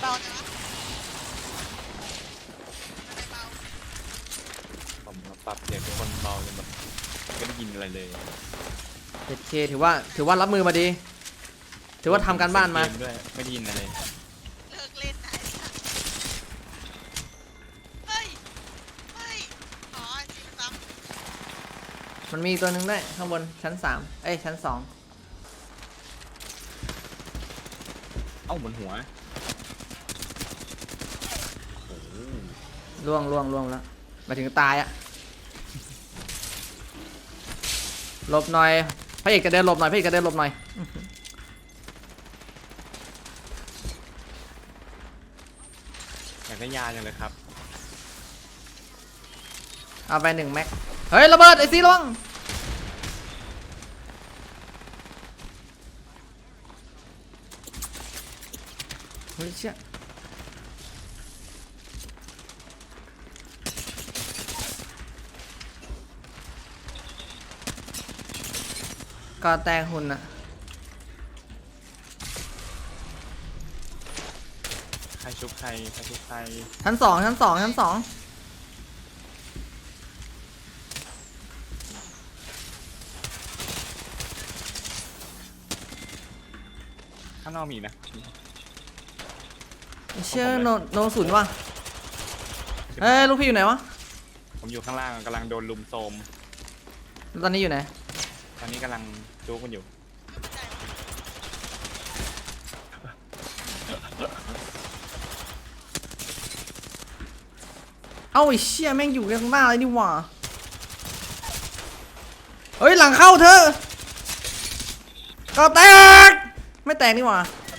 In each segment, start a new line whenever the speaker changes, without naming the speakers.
เบาจังวะอะไรเบา
ผมปรับเสียงเป็นคนเบาจนแบบไม่ได้ยินอะไรเลย
โอเคถือว่ารับมือมาดีถือว่าทำการบ้านมา
ด้วยไม่ได้ยินอะไร
เลิกเล่นไหนเฮ้ยอ๋อจริงซ้ำ
มันมีตัวหนึ่งได้ข้างบนชั้น3ชั้น2
เอ้าบนหัว
ล่วงแล้วมาถึงตายอะหลบหน่อยพระเอกจะเดินหลบหน่อย
อยากได้ยาจังเลยครับ
เอาไป1 แม็กเฮ้ยระเบิดไอ้ซีระวังเฮ้ยเชี่ยก็แตกหุ่นอะ
ใครชุบใคร
ชั้น2
ข้างนอกมีนะ
เชื่อโนศูนย์ว่ะเฮ้ยลูกพี่อยู่ไหนวะ
ผมอยู่ข้างล่างกำลังโดนลุมโทม
ตอนนี้อยู่ไหน
ตอนนี้กำลังจู๊กันอยู่
เอ้าไอ้เชี่ยแม่งอยู่ข้างหน้าเลยนี่หว่าเฮ้ยหลังเข้าเธอก็แตกไม่แตกนี่หว่า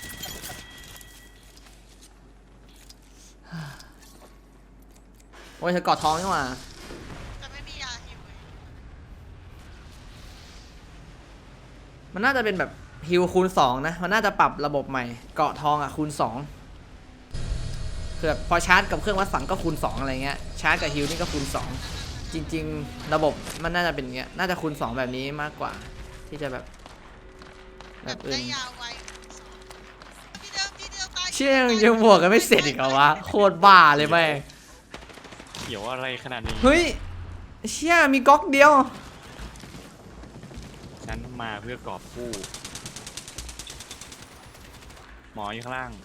โอ้ยเธอกอดท้องนี่หว่า
จะไม่มียาหิวเลย
มันน่าจะเป็นแบบฮิลคูณ2นะมันน่าจะปรับระบบใหม่เกาะทองอ่ะคูณ2คือแบบพอชาร์จกับเครื่องวัดสังก็คูณ2อะไรเงี้ยชาร์จกับฮิลนี่ก็คูณ2จริงๆระบบมันน่าจะเป็นเงี้ยน่าจะคูณ2แบบนี้มากกว่าที่จะแบบอื่น
ได้ยาไวที่เดิมตาย
เชี่ยยังบวกกันไม่เสร็จอีกเหรอวะโคตรบ้าเลยแม่ง
เขียวอะไรขนาดนี้
เฮ้ยเชี่ยมีก๊อกเดียว
ฉันมาเพื่อกอบกู้หมออยู่ข้างล่าง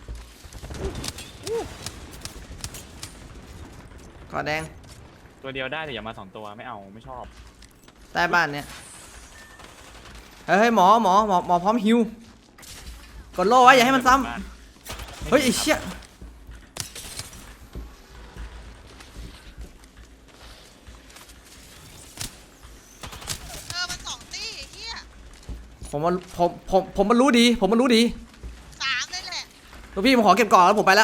กอแดง
ตัวเดียวได้แต่อย่ามา2 ตัวไม่เอาไม่ชอบ
ใต้บ้านเนี่ยเฮ้ยหมอพร้อมฮิวกดโล่ไว้อย่าให้มันซ้ำเฮ้ยไอ้เชี่ย
มัน2 ตี้เฮีย
ผมมันรู้ดี
3เลยแหละ
ลูกพี่ผมขอเก็บก่อนแล้วผมไปละ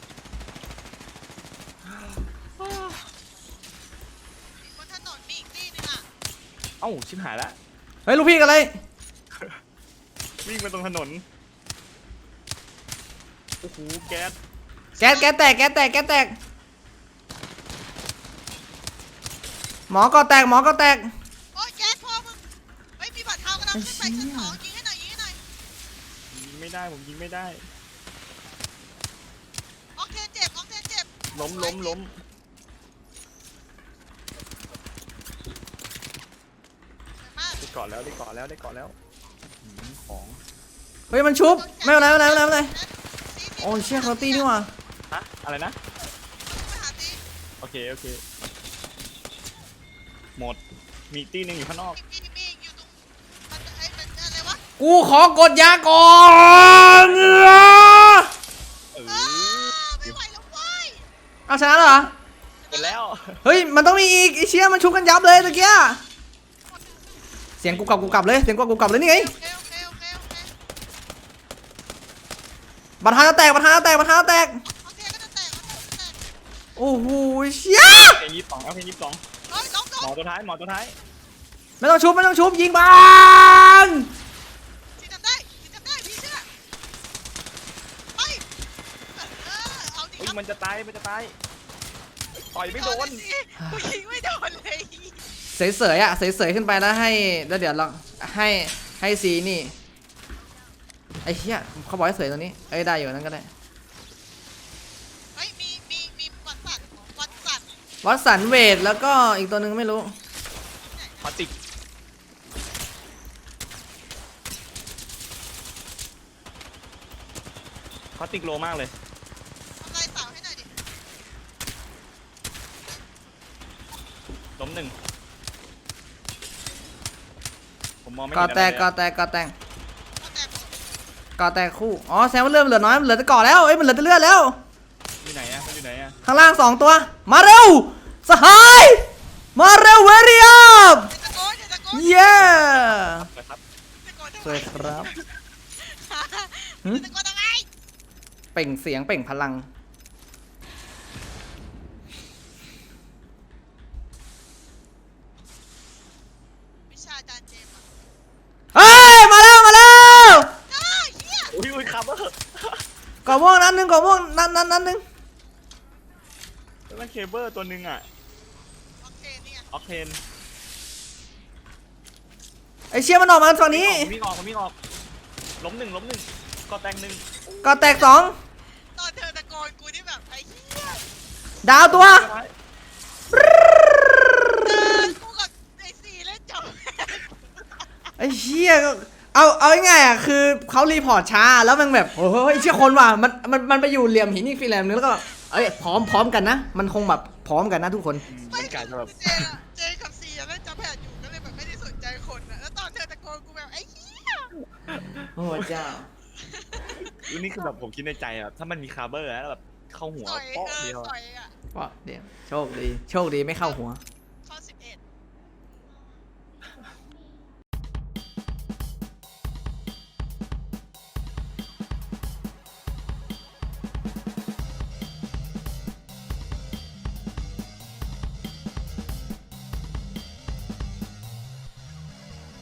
บนถนนมีอีกตี้นึงอ่ะ
เอ้าชิบหายละ
เฮ้ยลูกพี่กันเลย
วิ่งไปตรงถนนโอ้โหแก๊ส
แตกหมอก็แตก
โอ้ยแก๊สพอมึงไม่มีบัตรเทากำลังขึ้นไปชั้น2ยิงให้หน่อย
ยิงไม่ได้ผมยิงไม่ได้
ออกเทนเจ็บ
ล้มได้เกาะแล้วของ
เฮ้ยมันชุบไม่เป็นไรโอ้ยเชี่ยเขาตีนี่หว่า
ฮะอะไรนะโอเคหมดมีตีนึงอยู่ข้างนอก
กูขอกดยาก่อน
ไม่ไหวแล้วเว้ย
เอาชนะเหรอ
เป็นแล้ว
เฮ้ยมันต้องมีอีกไอเชี่ยมันชุบกันยับเลยตะเกียเสียงกูกลับเลยนี่ไงบัตรฮาแตกโอ้โหเชี่ย
เพลง22แล้วเพลง22หมอตัวท้าย
ไม่ต้องชุบยิงบาน
ที่ทำได้พี่เชื่อไปเอาดิ
มันจะตายต่อยไม่โดน
กูยิงไม่โดนเลย
เสยขึ้นไปแล้วเดี๋ยวลองให้ซีนี่ไอ้เหี้ยเขาบอกให้เสยตรงนี้ได้อยู่นั่นก็ได้วัตสันเวทแล้วก็อีกตัวหนึ่งไม่รู้
พลาสติกพลาสติกโลมากเลย
ทำลายเสาให้หน่อยดิ
ล้มหนึ่งผมมองไม่
ก่อ
เห็น
แต
อะไร
ก
เลย
ก่อ
อะ
แตกก่อแตก
เอาแต่
ก่อแตกคู่อ๋อแซมว่าเริ่มเหลือน้อยมันเหลือแต่ก่อแล้วเอ้ยมันเหลือแต่เลือดแล้ว
อยู่ไหนอะมันอยู่ไหนอะ
ข้างล่าง2 ตัวมาเร็วสหายมาเร็วเวรีอัพ
ตะโกนตะโกน
เย้
นะครับ
ตะโกนทำ
ส
ไม
วยครับ หึ
ตะโกนทำไม
เปล่งเสียงเปล่งพลัง
วิชาอาจารย์เจมส์อะ
เฮ้ยมาแล้วมาแล้ว
อ้าวเหี้ย
อุ้ยครับเออ
ก่อม่วงนั้นหนึ่งก่อม่วงนั้นหนึ่ง
แล้วมันเคเบิลตัวหนึ่งอะ
โอเคนี่ไง
ออกเทน
ไอเชี่ยมันออกมาฝั่งนี้
ผมวิ่งออกล้มหนึ่งก็แตงหนึ่ง
ก่อแตก2
ตอนเธอตะโกนกูนี่แบบไอ้เหี้ย
ดาวตัว
กูกับไอ้สี่เล่นจบ
ไอ้เชี่ยก็เอาง่ายๆอ่ะคือเขารีพอร์ตช้าแล้วมันแบบโอ้โหไอ้เชี่ยคนว่ะมันไปอยู่เหลี่ยมหินอีกฟิแลมนึงแล้วก็เอ้ยพร้อมกันนะมันคงแบบพร้อมกันนะทุกคน
มันกลายเป็นแบบ
เจกับสี่อะเล่นจำแผนอยู่ก็เลยแบบไม่ได้สนใจคนอะแล้วตอนเธอตะโกนกูแบบไอ้เหี้ย
โอ้เจ้า
นี่คือแบบผมคิดในใจอะถ้ามันมีคาร์เบอร์แล้วแบบเข้าหัว
สอย
เปาะเดียว
สอยอะ
ก็เดี๋ยวโชคดีไม่เข้าหัว
เ